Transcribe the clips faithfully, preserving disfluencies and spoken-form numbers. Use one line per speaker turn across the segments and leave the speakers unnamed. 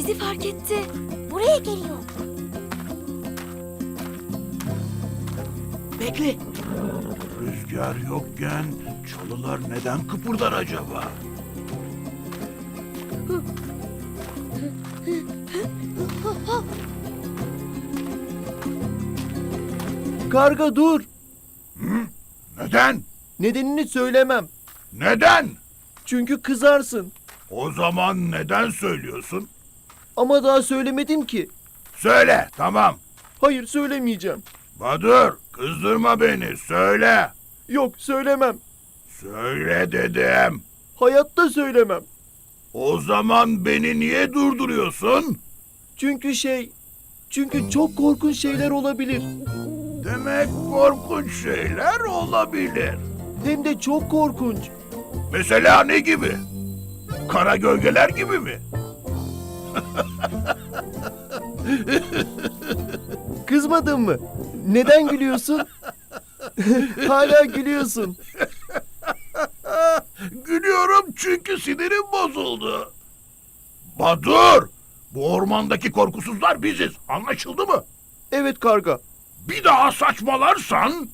Bizi fark etti.
Buraya geliyor.
Bekle.
Rüzgar yokken çalılar neden kıpırdar acaba?
Karga dur.
Neden?
Nedenini söylemem.
Neden?
Çünkü kızarsın.
O zaman neden söylüyorsun?
Ama daha söylemedim ki.
Söyle, tamam.
Hayır söylemeyeceğim.
Badur, kızdırma beni, söyle.
Yok söylemem.
Söyle dedim.
Hayatta söylemem.
O zaman beni niye durduruyorsun?
Çünkü şey... Çünkü çok korkunç şeyler olabilir.
Demek korkunç şeyler olabilir.
Hem de çok korkunç.
Mesela ne gibi? Kara gölgeler gibi mi?
Kızmadın mı? Neden gülüyorsun? Hala gülüyorsun.
Gülüyorum çünkü sinirim bozuldu. Badur! Bu ormandaki korkusuzlar biziz. Anlaşıldı mı?
Evet karga.
Bir daha saçmalarsan...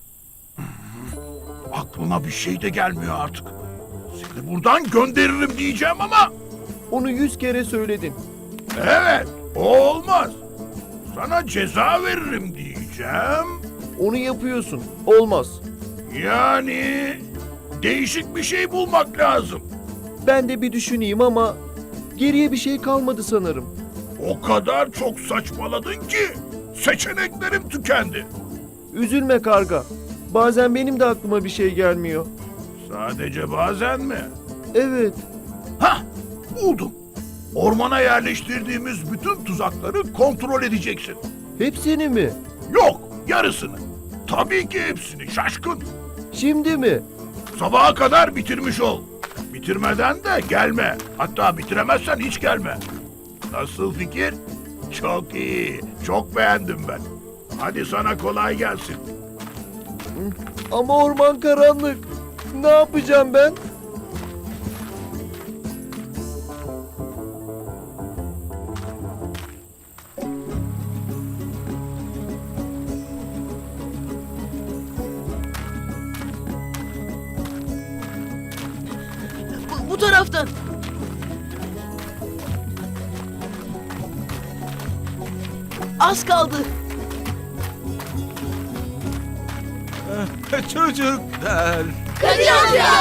Aklıma bir şey de gelmiyor artık. Seni buradan gönderirim diyeceğim ama...
Onu yüz kere söyledin.
Evet, o olmaz. Sana ceza veririm diyeceğim.
Onu yapıyorsun. Olmaz.
Yani... Değişik bir şey bulmak lazım.
Ben de bir düşüneyim ama... Geriye bir şey kalmadı sanırım.
O kadar çok saçmaladın ki... Seçeneklerim tükendi.
Üzülme karga. Bazen benim de aklıma bir şey gelmiyor.
Sadece bazen mi?
Evet.
Hah, buldum. Ormana yerleştirdiğimiz bütün tuzakları kontrol edeceksin.
Hepsini mi?
Yok, yarısını. Tabii ki hepsini, şaşkın.
Şimdi mi?
Sabaha kadar bitirmiş ol. Bitirmeden de gelme. Hatta bitiremezsen hiç gelme. Nasıl fikir? Çok iyi, çok beğendim ben. Hadi sana kolay gelsin.
Ama orman karanlık. Ne yapacağım ben?
Bu, bu taraftan. Az kaldı.
Çocuklar,
Kadir amca!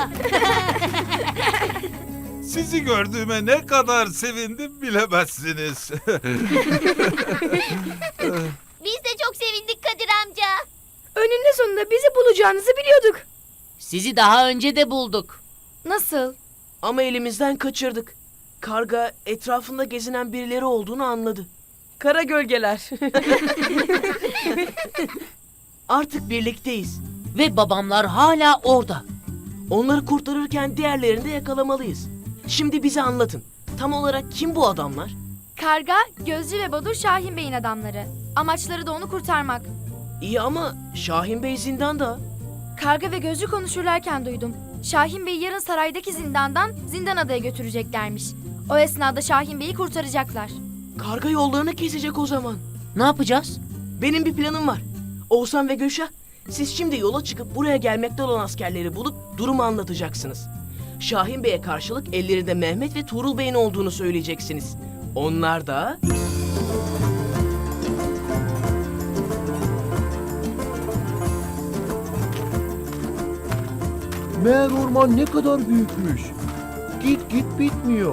sizi gördüğüme ne kadar sevindim bilemezsiniz.
Biz de çok sevindik Kadir amca.
Önünde sonunda bizi bulacağınızı biliyorduk.
Sizi daha önce de bulduk.
Nasıl?
Ama elimizden kaçırdık. Karga etrafında gezinen birileri olduğunu anladı. Kara gölgeler. Artık birlikteyiz.
Ve babamlar hala orada.
Onları kurtarırken diğerlerini de yakalamalıyız. Şimdi bize anlatın. Tam olarak kim bu adamlar?
Karga, Gözcü ve Badur Şahin Bey'in adamları. Amaçları da onu kurtarmak.
İyi ama Şahin Bey zindanda.
Karga ve Gözcü konuşurlarken duydum. Şahin Bey'i yarın saraydaki zindandan Zindan Adaya götüreceklermiş. O esnada Şahin Bey'i kurtaracaklar.
Karga yollarını kesecek o zaman.
Ne yapacağız?
Benim bir planım var. Oğuzhan ve Gülşah, siz şimdi yola çıkıp buraya gelmekte olan askerleri bulup durumu anlatacaksınız. Şahin Bey'e karşılık ellerinde Mehmet ve Tuğrul Bey'in olduğunu söyleyeceksiniz. Onlar da...
Meğer orman ne kadar büyükmüş. Git git bitmiyor.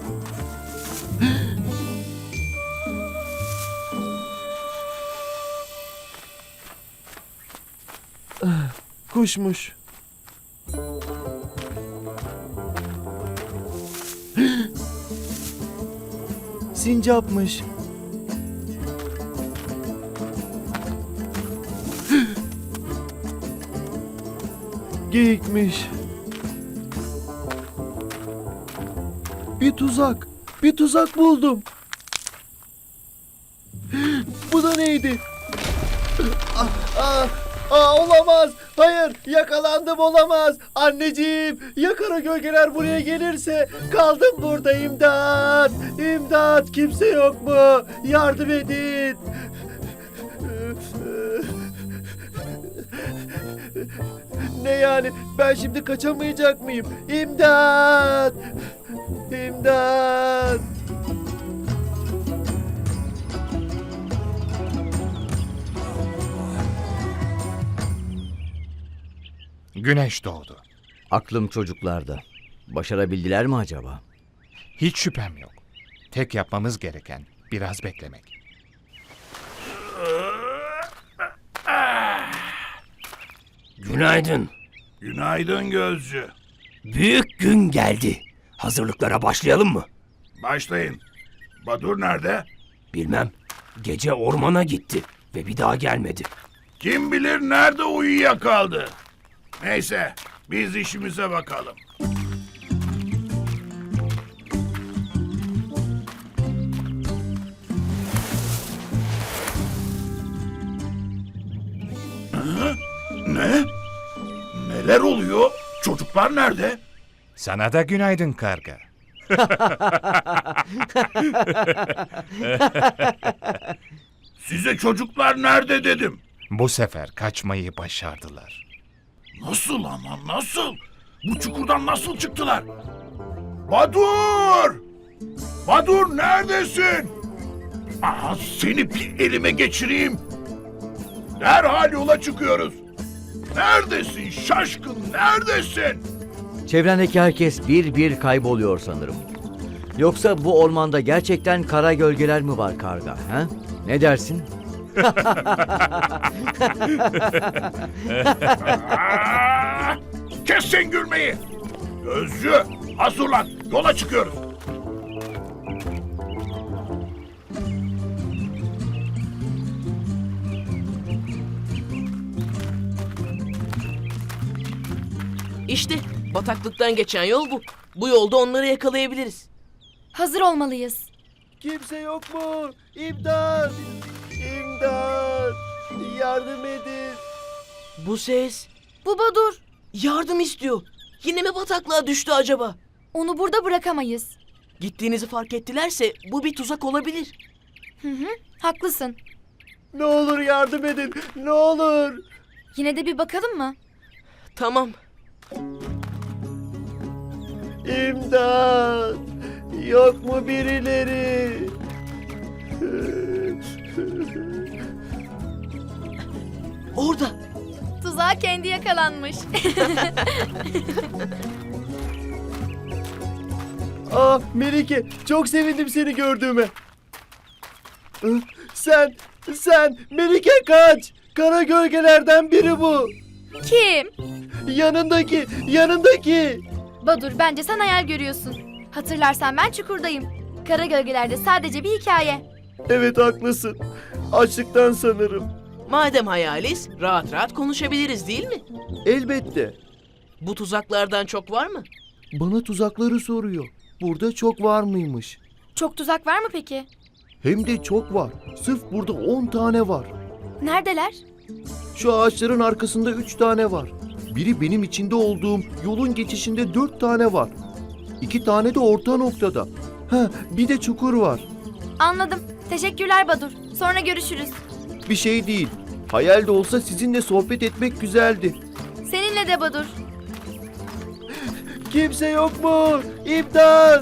Kuşmuş. Sincapmış. Geyikmiş. Bir tuzak. Bir tuzak buldum. Bu da neydi? Ah, ah, ah, olamaz. hayır yakalandım olamaz. Anneciğim ya kara gölgeler buraya gelirse kaldım burada imdat. İmdat kimse yok mu? Yardım edin. Ne yani ben şimdi kaçamayacak mıyım? İmdat! İmdat!
Güneş doğdu.
Aklım çocuklarda. Başarabildiler mi acaba?
Hiç şüphem yok. Tek yapmamız gereken biraz beklemek.
Günaydın.
Günaydın Gözcü.
Büyük gün geldi. Hazırlıklara başlayalım mı?
Başlayın. Badur nerede?
Bilmem. Gece ormana gitti ve bir daha gelmedi.
Kim bilir nerede uyuyakaldı. Neyse, biz işimize bakalım. Hı? Ne? Neler oluyor? Çocuklar nerede?
Sana da günaydın karga.
Size çocuklar nerede dedim.
Bu sefer kaçmayı başardılar.
Nasıl ama nasıl? Bu çukurdan nasıl çıktılar? Badur! Badur neredesin? Aha seni bir elime geçireyim. Derhal yola çıkıyoruz. Neredesin şaşkın neredesin?
Çevrendeki herkes bir bir kayboluyor sanırım. Yoksa bu ormanda gerçekten kara gölgeler mi var karga? Ha? Ne dersin?
Aa, kes sen gülmeyi. Gözcü hazırlan yola çıkıyoruz.
İşte bataklıktan geçen yol bu. Bu yolda onları yakalayabiliriz.
Hazır olmalıyız.
Kimse yok mu? İmdat! İmdat! Yardım edin.
Bu ses
Bu Badur.
yardım istiyor. Yine mi bataklığa düştü acaba?
Onu burada bırakamayız.
Gittiğinizi fark ettilerse bu bir tuzak olabilir.
Hı hı, haklısın.
Ne olur yardım edin. Ne olur.
Yine de bir bakalım mı?
Tamam.
İmdat! Yok mu birileri?
Orada.
Tuzağa kendi yakalanmış.
Aa Melike çok sevindim seni gördüğüme. Sen, sen Melike kaç. Kara gölgelerden biri bu.
Kim?
Yanındaki, yanındaki.
Badur, bence sen hayal görüyorsun. Hatırlarsan ben çukurdayım. Kara gölgelerde sadece bir hikaye.
Evet haklısın. Açlıktan sanırım.
Madem hayaliz rahat rahat konuşabiliriz değil mi?
Elbette.
Bu tuzaklardan çok var mı?
Bana tuzakları soruyor. Burada çok var mıymış?
Çok tuzak var mı peki?
Hem de çok var. Sırf burada on tane var.
Neredeler?
Şu ağaçların arkasında üç tane var. Biri benim içinde olduğum yolun geçişinde dört tane var. İki tane de orta noktada. Ha, bir de çukur var.
Anladım. Teşekkürler Badur. Sonra görüşürüz.
Bir şey değil. Hayal de olsa sizinle sohbet etmek güzeldi.
Seninle de Badur.
Kimse yok mu? İmdat!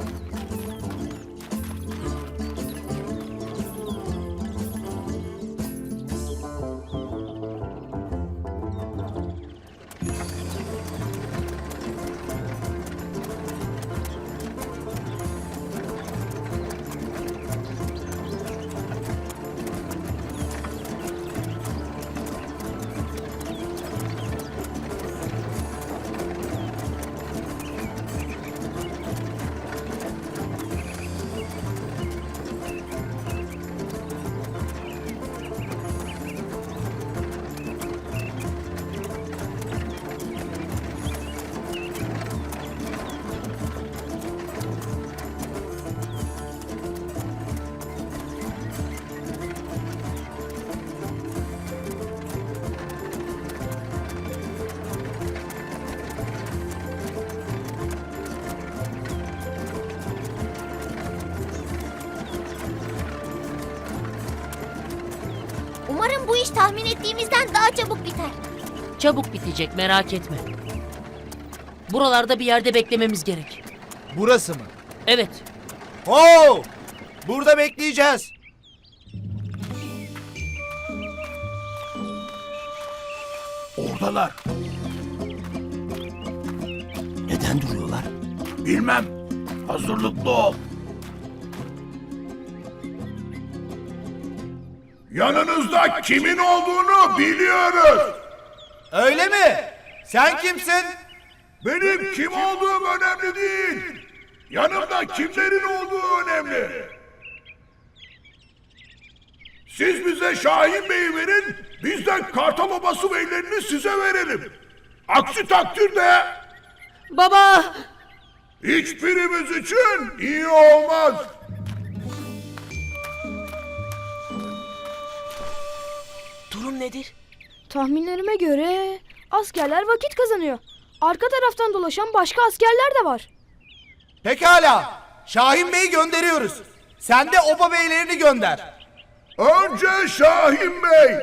iş tahmin ettiğimizden daha çabuk biter.
Çabuk bitecek, merak etme. Buralarda bir yerde beklememiz gerek.
Burası mı?
Evet.
Oo! Burada bekleyeceğiz.
Oradalar.
Neden duruyorlar?
Bilmem. Hazırlıklı ol. Yanınızda kimin olduğunu biliyoruz.
Öyle mi? Sen kimsin?
Benim kim olduğum önemli değil. Yanımda kimlerin olduğu önemli. Siz bize Şahin Bey'i verin, biz de Kartal Obası beylerini size verelim. Aksi takdirde
Baba!
hiçbirimiz için iyi olmaz.
Durum nedir?
Tahminlerime göre askerler vakit kazanıyor. Arka taraftan dolaşan başka askerler de var.
Pekala. Şahin Bey'i gönderiyoruz. Sen de oba beylerini gönder.
Önce Şahin Bey.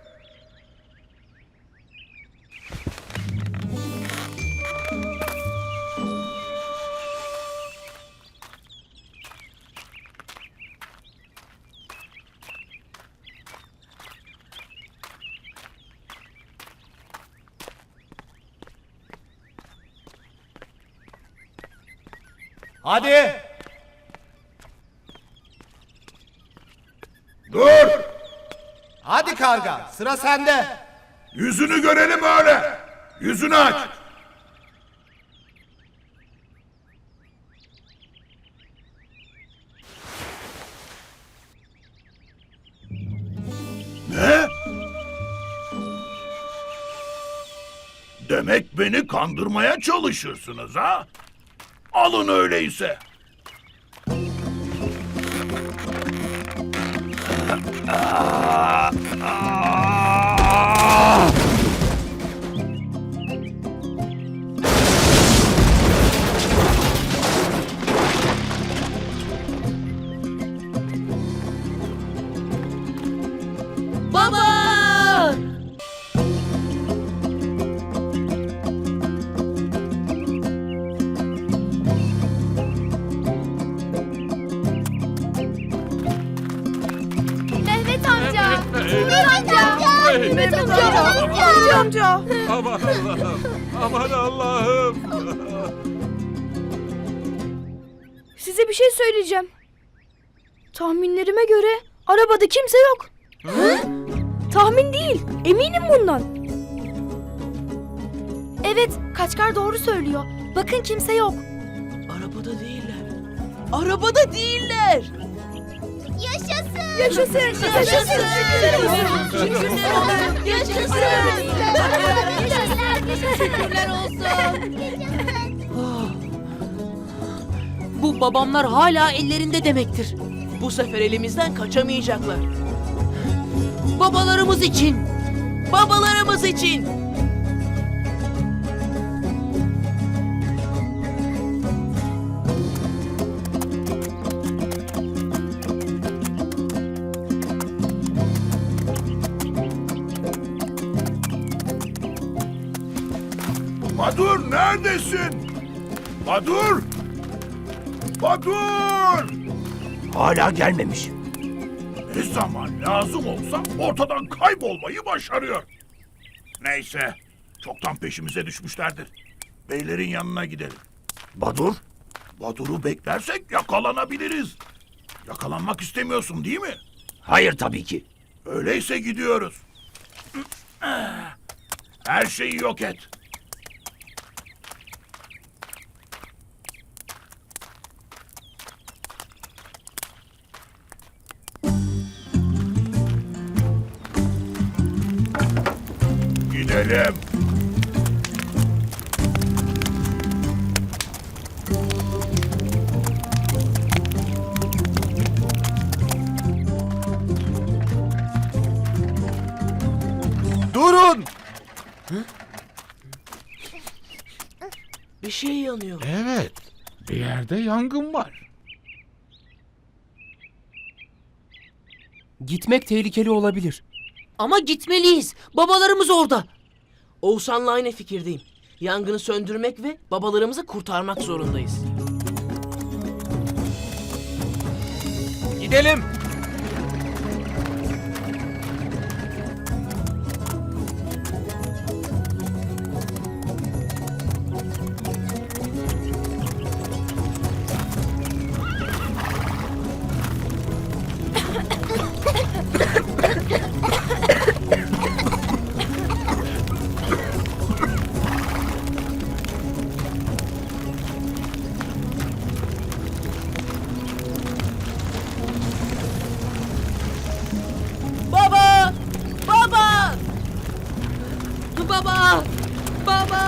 Hadi.
Dur.
Hadi karga. Sıra sende.
Yüzünü görelim öyle. Yüzünü aç. Ne? Demek beni kandırmaya çalışırsınız ha? Alın öyleyse.
Baba!
Mehmet amca. Mehmet amca. Mehmet amca. Mehmet amca.
Aman Allah'ım. Aman Allah'ım.
Size bir şey söyleyeceğim. Tahminlerime göre arabada kimse yok. Tahmin değil, eminim bundan. Evet, Kaçkar doğru söylüyor. Bakın kimse yok.
Arabada değiller. Arabada değiller.
Yaşasın.
Yaşasın, yaşasın.
Şükürler olsun. Şükürler olsun. Yaşasın. Şükürler olsun.
Bu babamlar hala ellerinde demektir.
Bu sefer elimizden kaçamayacaklar.
Babalarımız için.
Babalarımız için.
Badur neredesin? Badur! Badur!
Hala gelmemiş.
Ne zaman lazım olsa ortadan kaybolmayı başarıyor. Neyse, çoktan peşimize düşmüşlerdir. Beylerin yanına gidelim.
Badur?
Badur'u beklersek yakalanabiliriz. Yakalanmak istemiyorsun değil mi?
Hayır tabii ki.
Öyleyse gidiyoruz. Her şeyi yok et. Gidelim.
Durun.
Bir şey yanıyor.
Evet. Bir yerde yangın var.
Gitmek tehlikeli olabilir.
Ama gitmeliyiz. Babalarımız orada.
Oğuzhan'la aynı fikirdeyim. Yangını söndürmek ve babalarımızı kurtarmak zorundayız.
Gidelim.
Baba! Baba!
Baba! Baba!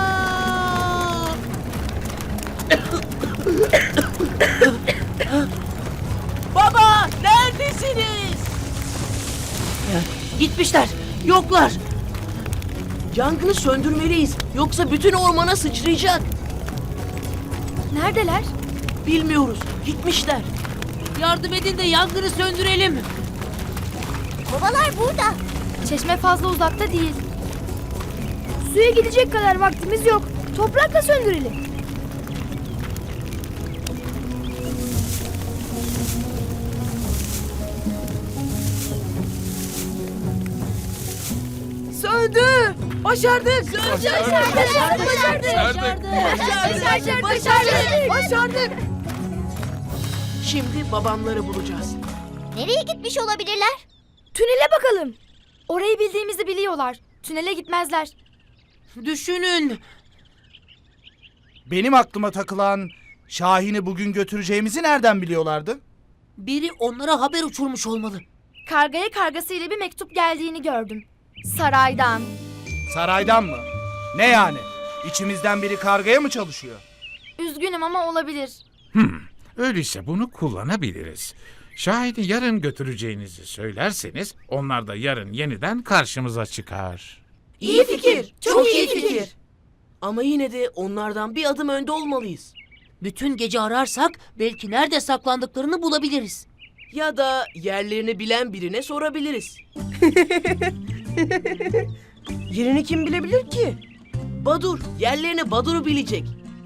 Baba! Neredesiniz?
Gitmişler. Yoklar.
Yangını söndürmeliyiz. Yoksa bütün ormana sıçrayacak.
Neredeler?
Bilmiyoruz. Gitmişler.
Yardım edin de yangını söndürelim.
Babalar burada. Çeşme fazla uzakta değil. Suya gidecek kadar vaktimiz yok. Toprakla söndürelim.
Söndü! Başardık!
Başardık. Başardık.
Başardık.
Başardık. Başardık.
Başardık! Şimdi babamları bulacağız.
Nereye gitmiş olabilirler? Tünele bakalım. Orayı bildiğimizi biliyorlar. Tünele gitmezler.
Düşünün.
Benim aklıma takılan Şahin'i bugün götüreceğimizi nereden biliyorlardı?
Biri onlara haber uçurmuş olmalı.
Kargaya kargasıyla bir mektup geldiğini gördüm. Saraydan.
Saraydan mı? Ne yani? İçimizden biri kargaya mı çalışıyor?
Üzgünüm ama olabilir.
Hmm, öyleyse bunu kullanabiliriz. Şahin'i yarın götüreceğinizi söylerseniz onlar da yarın yeniden karşımıza çıkar.
İyi fikir. Çok iyi fikir. Ama yine de onlardan bir adım önde olmalıyız.
Bütün gece ararsak belki nerede saklandıklarını bulabiliriz.
Ya da yerlerini bilen birine sorabiliriz. Yerini kim bilebilir ki? Badur. Yerlerini Badur'u bilecek.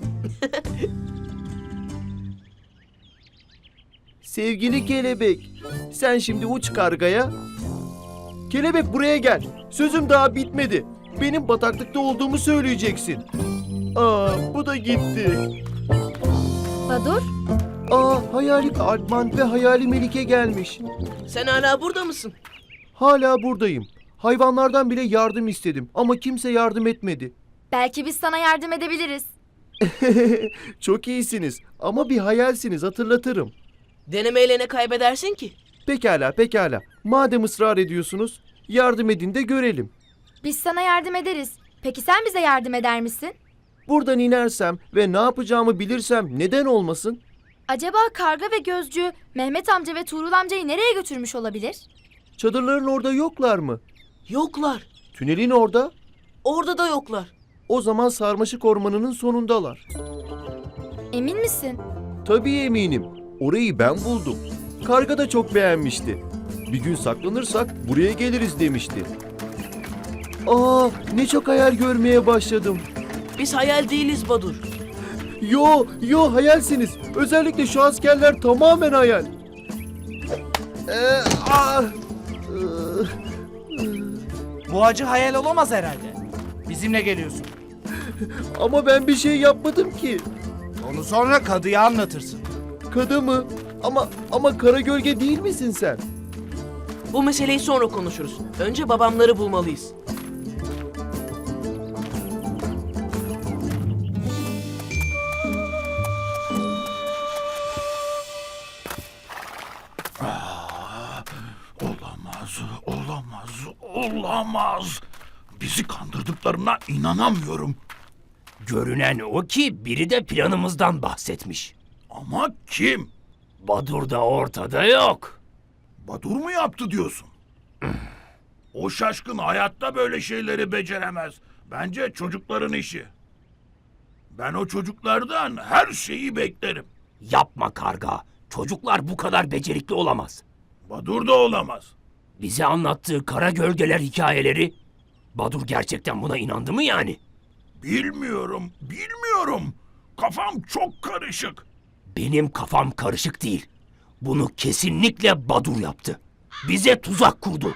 Sevgili kelebek, sen şimdi uç kargaya. Kelebek buraya gel. Sözüm daha bitmedi. Benim bataklıkta olduğumu söyleyeceksin. Aa, bu da gitti.
Badur,
Aa, hayali Alpman ve hayali Melike gelmiş.
Sen hala burada mısın?
Hala buradayım. Hayvanlardan bile yardım istedim ama kimse yardım etmedi.
belki biz sana yardım edebiliriz.
Çok iyisiniz ama bir hayalsiniz, hatırlatırım.
Denemeyle ne kaybedersin ki?
Pekala, pekala. Madem ısrar ediyorsunuz, yardım edin de görelim.
Biz sana yardım ederiz. Peki sen bize yardım eder misin?
Buradan inersem ve ne yapacağımı bilirsem neden olmasın?
Acaba Karga ve Gözcü Mehmet amca ve Tuğrul amcayı nereye götürmüş olabilir?
Çadırların orada yoklar mı?
Yoklar.
Tünelin orada?
Orada da yoklar.
O zaman sarmaşık ormanının sonundalar.
Emin misin?
Tabii eminim. Orayı ben buldum. Karga da çok beğenmişti. Bir gün saklanırsak buraya geliriz demişti. Aa, ne çok hayal görmeye başladım.
Biz hayal değiliz Badur.
Yo, yo hayalsiniz. Özellikle şu askerler tamamen hayal. Ee, ah, ıı,
Bu acı hayal olamaz herhalde. Bizimle geliyorsun.
ama ben bir şey yapmadım ki.
Onu sonra kadıya anlatırsın.
Kadı mı? Ama ama kara gölge değil misin sen?
Bu meseleyi sonra konuşuruz. Önce babamları bulmalıyız.
Olamaz, olamaz, olamaz. Bizi kandırdıklarına inanamıyorum.
Görünen o ki biri de planımızdan bahsetmiş.
Ama kim?
Badur da ortada yok.
Badur mu yaptı diyorsun? O şaşkın hayatta böyle şeyleri beceremez. Bence çocukların işi. Ben o çocuklardan her şeyi beklerim.
Yapma karga. Çocuklar bu kadar becerikli olamaz.
Badur da olamaz.
Bize anlattığı kara gölgeler hikayeleri, Badur gerçekten buna inandı mı yani?
Bilmiyorum, bilmiyorum. Kafam çok karışık.
Benim kafam karışık değil. Bunu kesinlikle Badur yaptı. Bize tuzak kurdu.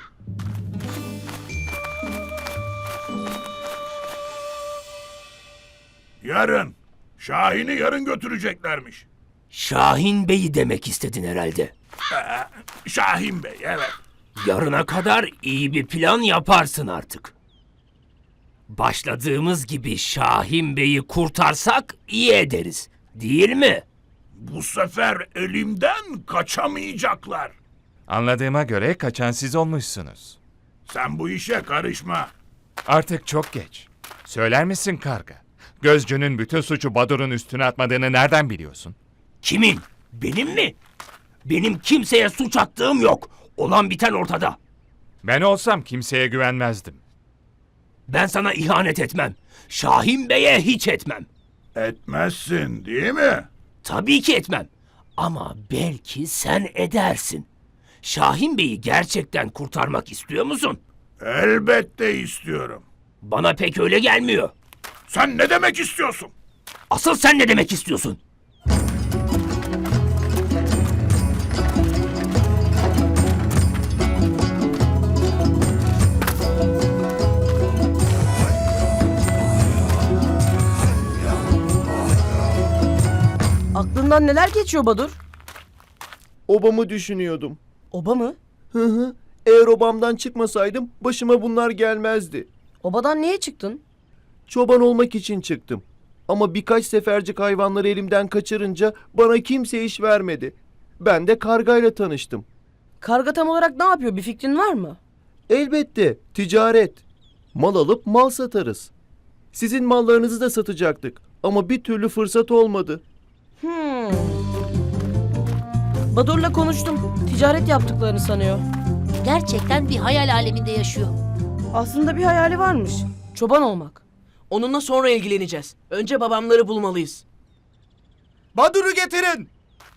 Yarın. Şahin'i yarın götüreceklermiş.
Şahin Bey'i demek istedin herhalde.
Ee, Şahin Bey, evet.
Yarına kadar iyi bir plan yaparsın artık. Başladığımız gibi Şahin Bey'i kurtarsak iyi ederiz. Değil mi?
Bu sefer elimden kaçamayacaklar.
Anladığıma göre kaçan siz olmuşsunuz.
Sen bu işe karışma.
Artık çok geç. Söyler misin karga? Gözcünün bütün suçu Badur'un üstüne atmadığını nereden biliyorsun?
Kimin? Benim mi? Benim kimseye suç attığım yok. Olan biten ortada.
Ben olsam kimseye güvenmezdim.
Ben sana ihanet etmem. Şahin Bey'e hiç etmem.
Etmezsin, değil mi?
Tabii ki etmem. Ama belki sen edersin. Şahin Bey'i gerçekten kurtarmak istiyor musun?
Elbette istiyorum.
Bana pek öyle gelmiyor.
Sen ne demek istiyorsun?
Asıl sen ne demek istiyorsun?
Aklından neler geçiyor Badur?
Obamı düşünüyordum.
Oba mı?
Hı hı. Eğer obamdan çıkmasaydım başıma bunlar gelmezdi.
Obadan niye çıktın?
Çoban olmak için çıktım. Ama birkaç sefercik hayvanları elimden kaçırınca bana kimse iş vermedi. Ben de kargayla tanıştım.
Karga tam olarak ne yapıyor? Bir fikrin var mı?
Elbette ticaret. Mal alıp mal satarız. Sizin mallarınızı da satacaktık. Ama bir türlü fırsat olmadı.
Hmm. Badur'la konuştum. Ticaret yaptıklarını sanıyor.
Gerçekten bir hayal aleminde yaşıyor.
Aslında bir hayali varmış. Çoban olmak.
Onunla sonra ilgileneceğiz. Önce babamları bulmalıyız.
Badur'u getirin.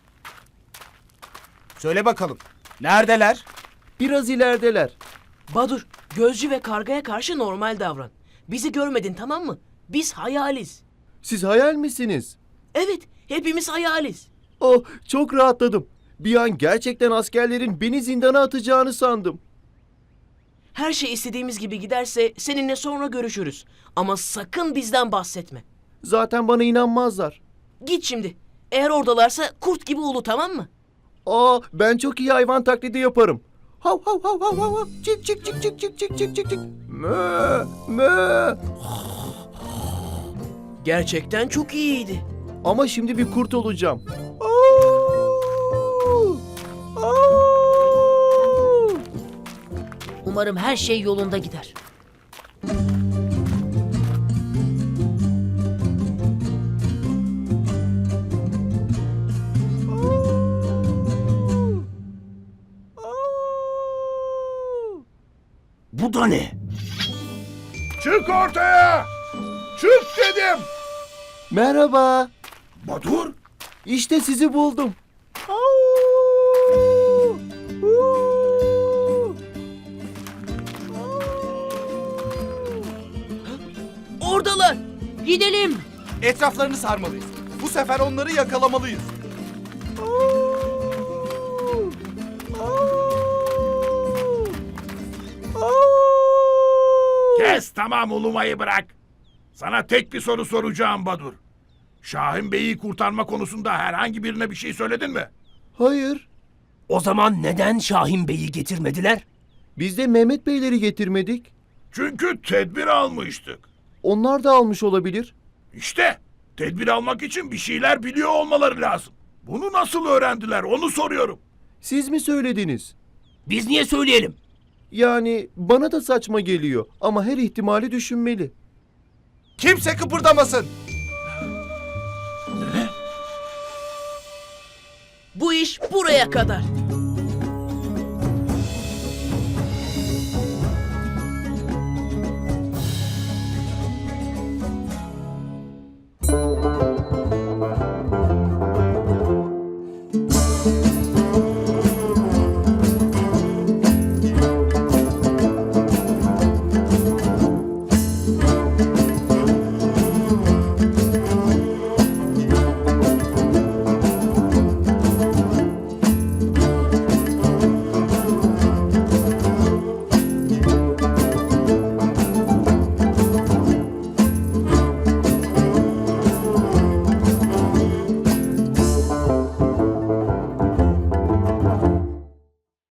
Söyle bakalım. Neredeler?
Biraz ilerideler.
Badur, gözcü ve kargaya karşı normal davran. Bizi görmedin, tamam mı? Biz hayaliz.
Siz hayal misiniz?
Evet, hepimiz hayaliz.
Oh, çok rahatladım. Bir an gerçekten askerlerin beni zindana atacağını sandım.
Her şey istediğimiz gibi giderse seninle sonra görüşürüz. Ama sakın bizden bahsetme.
Zaten bana inanmazlar.
Git şimdi. Eğer oradalarsa kurt gibi ulu, tamam mı?
Aa, ben çok iyi hayvan taklidi yaparım. Hav hav hav hav hav hav. Çık çık çık çık çık çık çık çık çık. Mö mö.
Gerçekten çok iyiydi.
Ama şimdi bir kurt olacağım. Au! Au!
Umarım her şey yolunda gider.
Bu da ne?
Çık ortaya! Çık dedim!
Merhaba.
Badur,
İşte sizi buldum. Au! Uu!
Oradalar.
Gidelim.
Etraflarını sarmalıyız. Bu sefer onları yakalamalıyız.
Au! Au! Au!
kes tamam ulumayı bırak. Sana tek bir soru soracağım Badur. Şahin Bey'i kurtarma konusunda herhangi birine bir şey söyledin mi?
Hayır.
O zaman neden Şahin Bey'i getirmediler?
Biz de Mehmet Beyleri getirmedik.
Çünkü tedbir almıştık.
Onlar da almış olabilir.
İşte tedbir almak için bir şeyler biliyor olmaları lazım. Bunu nasıl öğrendiler onu soruyorum.
Siz mi söylediniz?
Biz niye söyleyelim?
Yani bana da saçma geliyor ama her ihtimali düşünmeli.
Kimse kıpırdamasın.
Bu iş buraya kadar.